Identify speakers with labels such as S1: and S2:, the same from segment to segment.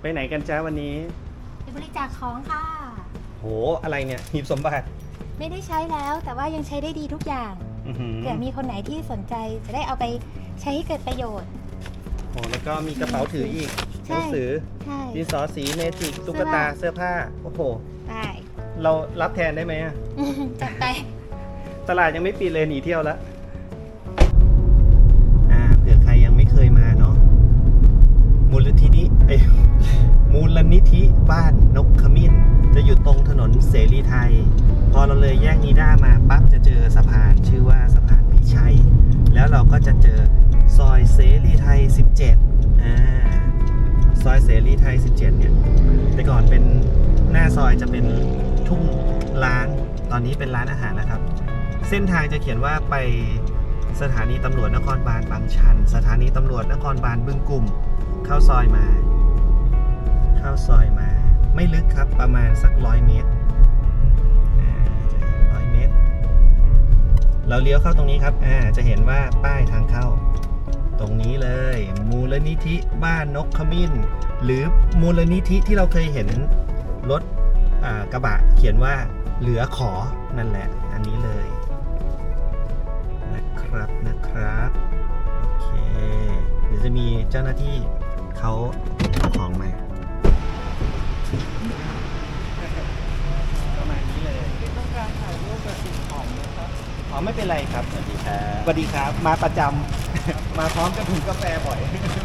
S1: ไปไหนกันจ้าวันนี้
S2: ไปบริจาคของค่ะ
S1: โหอะไรเนี่ยหีบสมบัติ
S2: ไม่ได้ใช้แล้วแต่ว่ายังใช้ได้ดีทุกอย่างเผื่อมีคนไหนที่สนใจจะได้เอาไปใช้ให้เกิดประโยชน์
S1: โหแล้วก็มีกระเป๋าถืออีกหนังสือดินสอสีเมจิกตุ๊กตาเสื้อผ้าโอ้โห
S2: ได้
S1: เรารับแทนได้ไหม
S2: จัดไป
S1: ตลาดยังไม่ปิดเลยหนีเที่ยวแล้วเผื่อใครยังไม่เคยมาเนาะมูลนิธิบ้านนกขมิ้นจะอยู่ตรงถนนเสรีไทยพอเราเลยแยกนิด้ามาปั๊บจะเจอสะพานชื่อว่าสะพานพิชัยแล้วเราก็จะเจอซอยเสรีไทย17ซอยเสรีไทย17เนี่ยแต่ก่อนเป็นหน้าซอยจะเป็นทุ่งร้างตอนนี้เป็นร้านอาหารนะครับเส้นทางจะเขียนว่าไปสถานีตำรวจนครบาลบางชันสถานีตำรวจนครบาลบึงกุ่มเข้าซอยมาไม่ลึกครับประมาณสัก100 เมตรจะเห็น100 เมตรเราเลี้ยวเข้าตรงนี้ครับจะเห็นว่าป้ายทางเข้าตรงนี้เลยมูลนิธิบ้านนกขมิ้นหรือมูลนิธิที่เราเคยเห็นรถกระบะเขียนว่าเหลือขอนั่นแหละอันนี้เลยนะครับโอเคเดี๋ยวจะมีเจ้าหน้าที่เขาเอาของมาประมาณนี้เลยต้องการถ่ายรูปกับสิ่งของนะครับอ๋อไม่เป็นไรครับสวัสดีครับมาประจำ มาพร้อมกับถุงกาแฟบ่อย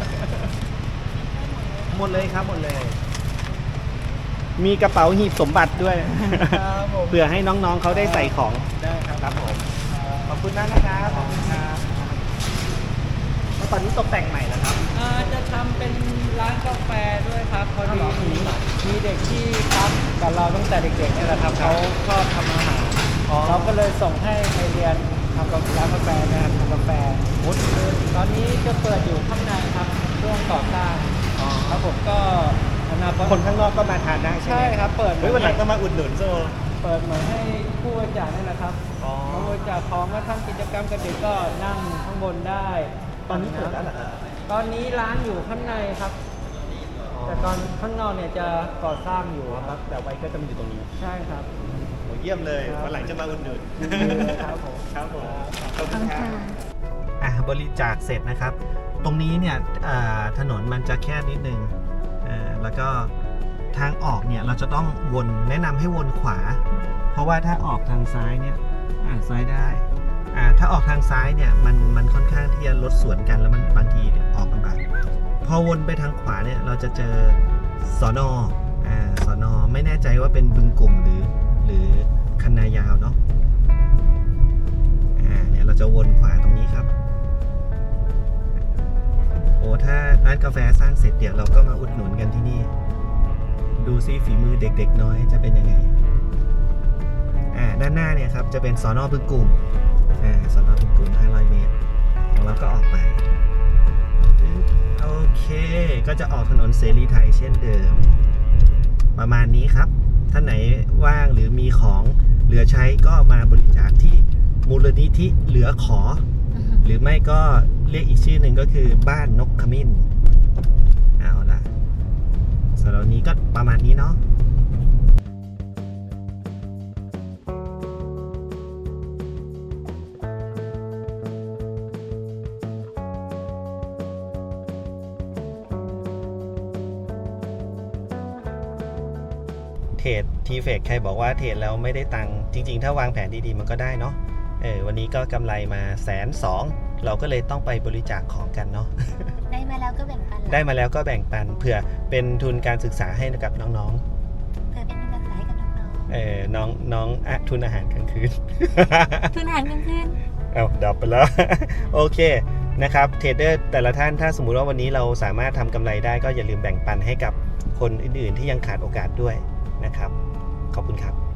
S1: หมดเลยครับหมดเลยมีกระเป๋าหีบสมบัติด้วยเพื่อให้น้องๆเขาได้ใส่ของได้ครับผมขอบคุณมากนะครับขอบคุณครับแล้วตอนนี้ตกแต่งใหม่แล้วครับ
S3: จะทำเป็นร้านกาแฟด้วยครับพอดีมีเด็กที่พักกับเราตั้งแต่เด็กๆนี่แหละครับเขาชอบทำอาหารเราก็เลยส่งให้ไปเรียนทำร้านกาแฟนะครับทำกาแฟตอนนี้จะเปิดอยู่ข้างในครับช่วงก่อสร้างแล้วผมก็
S1: คนข้างนอกก็มาทานได้ใช่ไหม
S3: ใช่ครับเปิด
S1: วันหลังก็มาอุดหนุนโซ
S3: เปิดเหมือนให้ผู้บริจาคนี่แหละครับผู้บริจาคของมาทำกิจกรรมกับเด็กก็นั่งข้างบนได้
S1: ตอนนี้เปิดแล้วเหรอครับ
S3: ตอนนี้ร้านอยู่ข้างในครับแต่ตอนข้างนอกเนี่ยจะก่อสร้างอยู่ครับ
S1: แต่ไว้ก็จะมาอยู่ตรงนี้
S3: ใช่ครับ
S1: โหเยี่ยมเลยวันหลังจะมาอุดหนุน
S3: ครับผม
S1: ขอบคุณครับบริจาคเสร็จนะครับตรงนี้เนี่ยถนนมันจะแคบนิดนึงแล้วก็ทางออกเนี่ยเราจะต้องวนแนะนำให้วนขวาเพราะว่าถ้าออกทางซ้ายเนี่ยซ้ายได้ถ้าออกทางซ้ายเนี่ยมันค่อนข้างที่จะรถสวนกันแล้วมันบางทีออกลำบากพอวนไปทางขวาเนี่ยเราจะเจอสน.ไม่แน่ใจว่าเป็นบึงกุ่มหรือคันนายาวเนาะเนี่ยเราจะวนขวาตรงนี้ครับโอ้ถ้าร้านกาแฟสร้างเสร็จเดี๋ยวเราก็มาอุดหนุนกันที่นี่ดูซิฝีมือเด็กๆน้อยจะเป็นยังไงด้านหน้าเนี่ยครับจะเป็นสน.บึงกุ่มสน.บึงกุ่ม500 เมตรของเราก็ออกไปโอเคก็จะออกถนนเสรีไทยเช่นเดิมประมาณนี้ครับท่านไหนว่างหรือมีของเหลือใช้ก็มาบริจาคที่มูลนิธิเหลือขอหรือไม่ก็เรียกอีกชื่อหนึ่งก็คือบ้านนกขมิ้นเอาล่ะสำหรับวันนี้ก็ประมาณนี้เนาะเทรดทีเฟกใครบอกว่าเทรดแล้วไม่ได้ตังค์จริงๆถ้าวางแผนดีๆมันก็ได้เนาะวันนี้ก็กำไรมา120,000เราก็เลยต้องไปบริจาคของกันเนาะ
S2: ได้มาแล้วก็แบ่งปัน
S1: เผื่อเป็นทุนการศึกษาให้กับน้อง
S2: ๆเผื่อเป็นทุนการศึกษาให้กับ
S1: น้องทุนอาหารกลางคืน
S2: ทุนอาหารกลางคืน
S1: ดับไปแล้ว โอเคนะครับเทรดเดอร์แต่ละท่านถ้าสมมุติว่าวันนี้เราสามารถทำกำไรได้ก็อย่าลืมแบ่งปันให้กับคนอื่นๆที่ยังขาดโอกาสด้วยนะครับขอบคุณครับ